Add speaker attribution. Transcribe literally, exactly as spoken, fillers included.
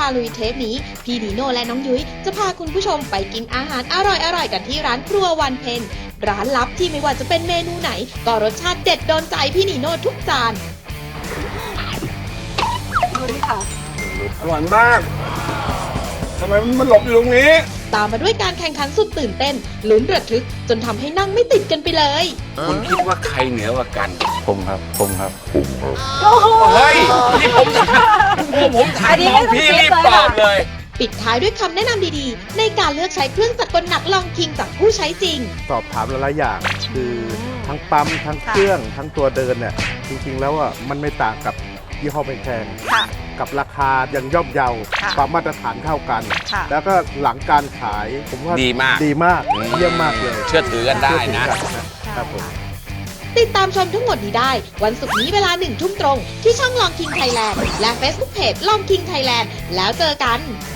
Speaker 1: าลุยเทปนี้พี่นีโน่และน้องยุ้ยจะพาคุณผู้ชมไปกินอาหารอร่อยๆกันที่ร้านครัววันเพ็ญร้านลับที่ไม่ว่าจะเป็นเมนูไหนก็รสชาติเด็ดโดนใจพี่นีโน่ทุกจาน
Speaker 2: ดูดิค่ะ
Speaker 3: อร่อยมากทำไมมันหลบอยู่ตรงนี้
Speaker 1: ตามมาด้วยการแข่งขันสุดตื่นเต้นลุ้นระทึกจนทำให้นั่งไม่ติดกันไปเลย
Speaker 3: คุณคิดว่าใครเหนือกว่ากัน
Speaker 4: ผมครับผมครับผมครับ
Speaker 3: เฮ้ยนี่ผมถามผมถามน้องพี่รีบตอบเลย
Speaker 1: ปิดท้ายด้วยคำแนะนำดีๆในการเลือกใช้เครื่องจักรกลหนักลองคิงจากผู้ใช้จริง
Speaker 4: สอบถามหลายๆอย่างคือทั้งปั๊มทั้งเครื่องทั้งตัวเดินเนี่ยจริงๆแล้วอ่ะมันไม่ต่างกับยี่ห้อแพงๆกับราคายังย่อมเยาความมาตรฐานเท่ากันแล้วก็หลังการขายผมว่า
Speaker 3: ดีมาก
Speaker 4: ดีมากเยี่ยมมากเลย
Speaker 3: เชื่อถือกันได้นะครับ
Speaker 4: ผม
Speaker 1: ติดตามชมทั้งหมดนี้ได้วันศุกร์นี้เวลาหนึ่งทุ่มตรงที่ช่องลองคิงไทยแลนด์และ Facebook Page ลองคิงไทยแลนด์แล้วเจอกัน